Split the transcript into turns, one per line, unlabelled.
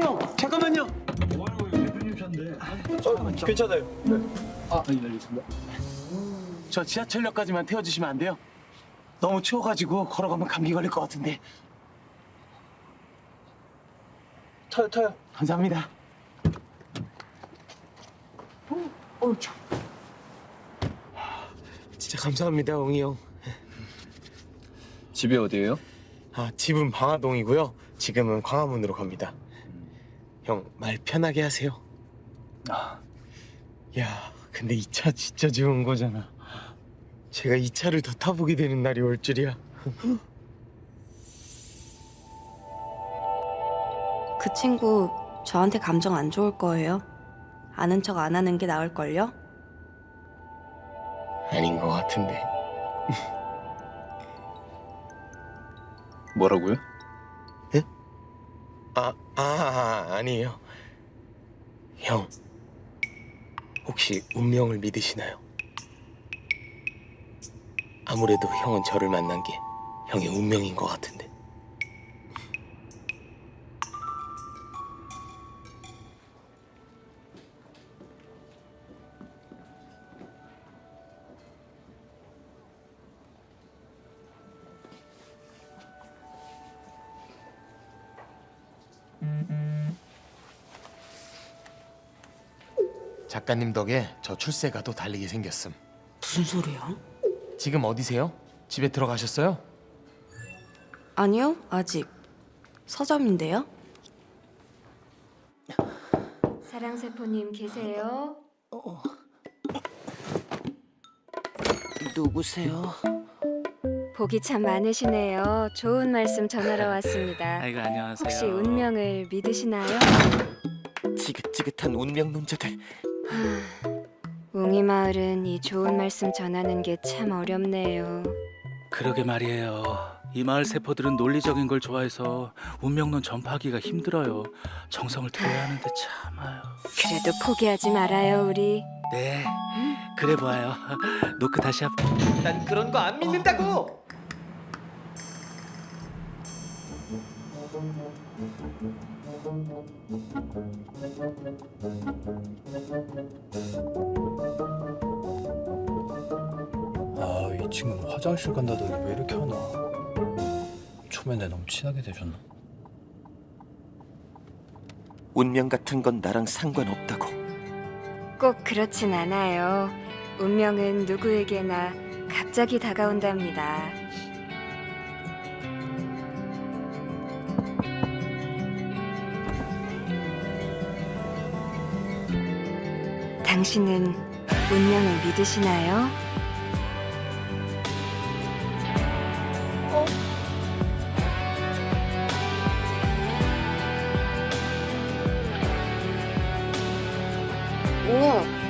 형, 잠깐만요.
괜찮아요.
저 지하철역까지만 태워주시면 안 돼요? 너무 추워가지고 걸어가면 감기 걸릴 것 같은데.
타요.
감사합니다. 진짜 감사합니다, 웅이 형.
집이 어디예요?
집은 방화동이고요. 지금은 광화문으로 갑니다. 형, 말 편하게 하세요. 야, 근데 이 차 진짜 좋은 거잖아. 제가 이 차를 더 타보게 되는 날이 올 줄이야.
그 친구 저한테 감정 안 좋을 거예요. 아는 척 안 하는 게 나을걸요?
아닌 것 같은데.
뭐라고요?
아니에요. 형, 혹시 운명을 믿으시나요? 아무래도 형은 저를 만난 게 형의 운명인 것 같은데. 작가님 덕에 저 출세가도 달리게 생겼음.
무슨 소리야?
지금 어디세요? 집에 들어가셨어요?
아니요, 아직. 서점인데요?
사랑세포님 계세요?
누구세요?
복이 참 많으시네요. 좋은 말씀 전하러 왔습니다.
아이고 안녕하세요.
혹시 운명을 믿으시나요?
지긋지긋한 운명론자들.
웅이 마을은 이 좋은 말씀 전하는 게 참 어렵네요.
그러게 말이에요. 이 마을 세포들은 논리적인 걸 좋아해서 운명론 전파하기가 힘들어요. 정성을 들여야 하는데 참아요.
그래도 포기하지 말아요, 우리.
네, 그래 보아요. 노크 다시 한.
난 그런 거 안 믿는다고.
이 친구는 화장실 간다더니 왜 이렇게 하나? 초면에 너무 친하게 되셨나?
운명 같은 건 나랑 상관없다고.
꼭 그렇진 않아요. 운명은 누구에게나 갑자기 다가온답니다. 당신은 운명을 믿으시나요?
우와,